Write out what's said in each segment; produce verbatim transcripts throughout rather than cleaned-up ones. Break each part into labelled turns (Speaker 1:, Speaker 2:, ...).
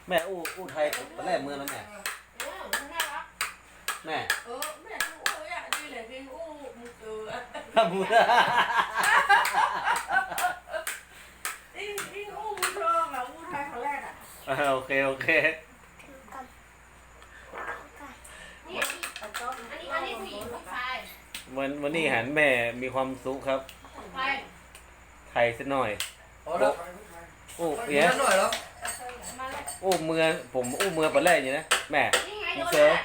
Speaker 1: แม่อู้อู้ไทยตอนแรกเมืองแล้วแม่แม่
Speaker 2: เออแม่อู้อยากดีเลยพี่อู้มึงเจอ
Speaker 1: ถ้าบูด
Speaker 2: อิงอิงอู้มึงชอบอ่ะอู้ไทยคนแรกอ่ะ
Speaker 1: โอเคโอเค
Speaker 2: นี่อันนี้อันนี้ผู้หญิงผู้ชาย
Speaker 1: วันวันนี้หันแม่มีความสุขครับ
Speaker 2: ไทย
Speaker 1: ไทยสักหน่อย
Speaker 3: โอ้แล้ว
Speaker 1: โอ้
Speaker 3: เยอะหน่อยแล้ว
Speaker 1: โอ้เมืองผมอู้เมืองตอนแรกอย่างนี้นะแม่มีเซอร์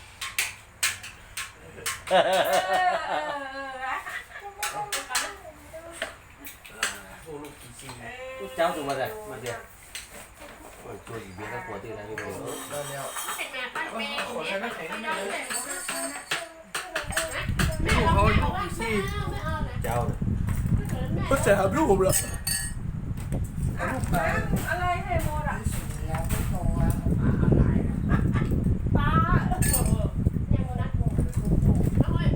Speaker 1: เจ้าตัวมาเลยมาเดี๋ยวตัวอีเบียร์ก็ปวดตีอะไรอยู่
Speaker 3: ได้แล้วขอใช้น้ำแข็งนิดนึง
Speaker 2: ไม่
Speaker 3: ลูกเขาอยู่กี่ซี่
Speaker 1: เจ้า
Speaker 3: ก็จะหาลูกผมเหรอลูกไป
Speaker 2: อะไรให้โมดอ่ะ
Speaker 3: แล้วไม่โตแล้ว
Speaker 2: ป้าเนี่ยโมนัสโมน้อย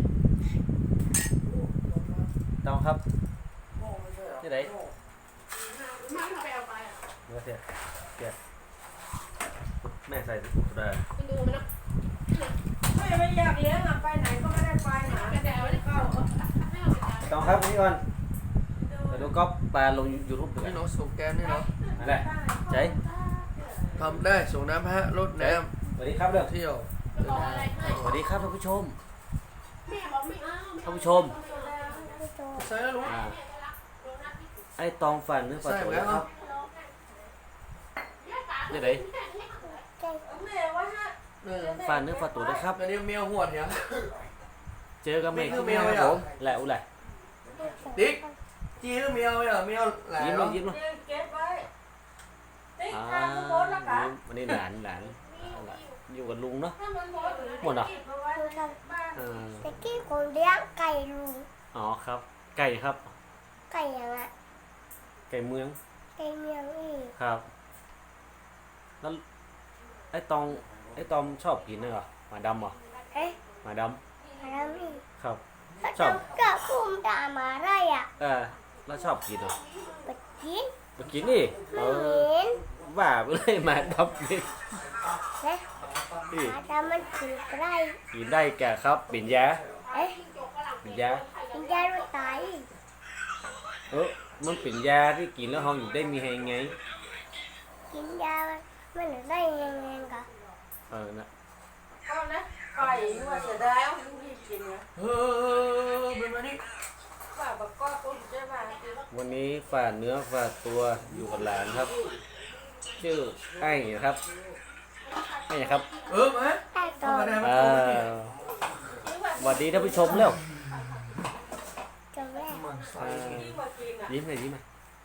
Speaker 1: ต้องครับนี่ไหน
Speaker 2: มาไปเอาไปอ่ะ
Speaker 1: เมื่อเสียเสียแม่ใส่ได้
Speaker 2: ไปดูมันนะไม่ไม่อยากเลี้ยงอ่ะไปไหนก็ไม่ได้ไปหาแต่ไม่ได้เข้า
Speaker 1: ต้องครับนี่ก่อนไปดูก๊อปปลาลงยูทูบด้วย
Speaker 3: นี่เนาะส่งแกนนี่เนาะ
Speaker 1: อะไรใจ
Speaker 3: ทำได้ส่งน้ำพระรถน้
Speaker 1: ำสวัสดีครับเด้อ
Speaker 3: ำเที่ยว
Speaker 1: สวัสดีครับท่านผู้ชมท่านผู้ชม
Speaker 3: ใส่แล้วลุง
Speaker 1: ไอ้ตองฝันเนื้อปลาตัวครับนี่ไหนฝันเนื้อปลาตัวนะครับ
Speaker 3: อันนี้เมียหวดเนี่ย
Speaker 1: เจอกันใหม่ที่เมียครับผมแหละอุ้ยแหละ
Speaker 3: ติ๊กจีหรือเมียเหรอเมียหลาน
Speaker 1: ยิ้มเลยยิ้มเลย
Speaker 2: เก็บไว้ติ๊ก
Speaker 1: อ่า
Speaker 2: ทำโพสแล้วกัน
Speaker 1: วันนี้หลานหลานอยู่กับลุงเนาะหมดเหรอ
Speaker 4: ตะกี้ผมเลี้ยงไก่ลุง
Speaker 1: อ๋อครับไก่ครับ
Speaker 4: ไก่ยังไง
Speaker 1: ไก่เมือง
Speaker 4: ไก่เมืองอีก
Speaker 1: ครับแล้วไอ้ตองไอ้ตอมชอบกินเนอะหมาดำเหรอ
Speaker 4: เอ๊ะ
Speaker 1: หมาด
Speaker 4: ำหมาดำอีก
Speaker 1: ครับ
Speaker 4: ชอบกับคุ้มดามาไรอ่ะ
Speaker 1: เออแล้วชอบกินเหรอ
Speaker 4: ไปกิน
Speaker 1: ไปกินนี่
Speaker 4: เอ
Speaker 1: อว่าไปเลยหมาดำนี่
Speaker 4: นะหมาดำมันกินไร
Speaker 1: กินได้แก่ครับปิ่นยา
Speaker 4: เอ๊ะ
Speaker 1: ปิ่นยา
Speaker 4: ปิ่นยาด้วยตาย
Speaker 1: เออมันปิ่นยาที่กินแล้วห้องอยู่ได้มีแหงไง
Speaker 4: กินยามันได้ยังไงกัน
Speaker 1: เออนะ
Speaker 2: เอานะไก่ว่าจะได้เอาที่กินนะ
Speaker 3: เออเป็นมานี่
Speaker 2: ว่าบักก้อตุ้นใช่ป่ะ
Speaker 1: วันนี้ฝากเนื้อฝากตัวอยู่กับหลานครับชื่อไอ้ครับไอ้ครับ
Speaker 3: เออมา
Speaker 4: ต่อ
Speaker 1: สวัสดีท่านผู้ชมเร็ว
Speaker 4: จำแรก
Speaker 1: ยิ้มเลยยิ้มเลย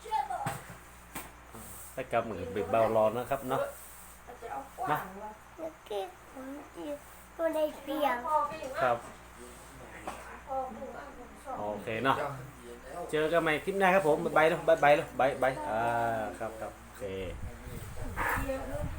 Speaker 1: ไปกับมือเบเบารอนนะครับเนาะนะ
Speaker 4: เมื่อกี้ผมอยู่ในเปียง
Speaker 1: ครับโอเคเนาะเจอกันใหม่คลิปหน้าครับผมบายบายแล้วบายบายแล้วบายบายอ่าครับครับโอเค